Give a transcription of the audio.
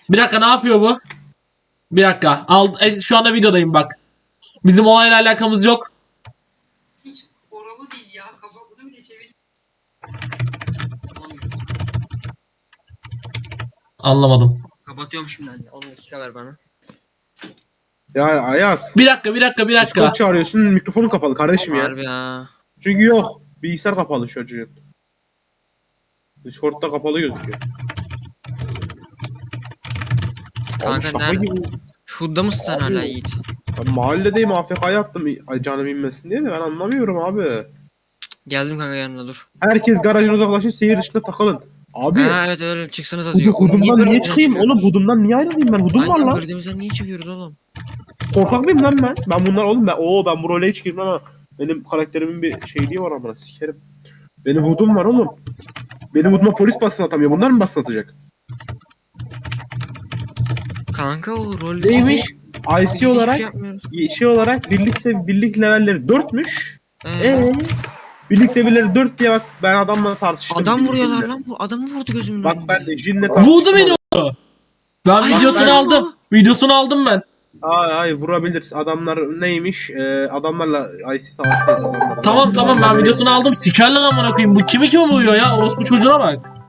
Bir dakika ne yapıyor bu? Bir dakika. Şu anda videodayım bak. Bizim olayla alakamız yok. Hiç oralı değil ya. Kafasını bile çevir. Anlamadım. Kapatıyorum şimdi anne. 10 dakika ver bana. Ya Ayaz. Bir dakika. Discord çağırıyorsun, mikrofonun kapalı kardeşim ya. Harbi ya. Çünkü yok. Bilgisayar kapalı şu çocuğun. Discord'da kapalı gözüküyor. Kanka Abi şaka nerede? gibi. Şurada mısın sen Abi. hala Yiğit? Ben mahalledeyim, AFK'ya attım canım inmesin diye de ben anlamıyorum abi. Geldim kanka yanına dur. Herkes garajına uzaklaşın, şehir dışında takılın. Abi Ha evet öyle çıksanıza diyor. hudumdan niye çıkayım? Oğlum hudumdan niye ayrılayım ben? Hudum var Aynen lan. gördüğümüzden niye çıkıyoruz oğlum? Korkak mıyım lan ben? Ben bunlar oğlum ben bu role hiç girmem ama benim karakterimin bir şeyliği var amına sikerim. Benim hudum var oğlum. Benim huduma polis basın atamıyor. Bunlar mı basın atacak? Kanka o rol Neymiş? IC Hiçbir olarak şey yapmıyoruz. şey olarak birlik levelleri 4'müş. Ee? Birlik levelleri 4 diye bak ben adamla tartıştım. Adam birlik vuruyorlar levelleri. lan bu. Adamı vurdu gözümün Bak önünde. ben de Jin'le tartıştım. Vurdu beni o. Ben Ay, videosunu ay, aldım. ay. Videosunu aldım ben. Ay vurabilir. Adamlar neymiş? Adamlarla IC savaştaydı adamlar. Tamam ben videosunu aldım. Sikerler amına koyayım. Bu kimi vuruyor ya? Orospu çocuğuna bak.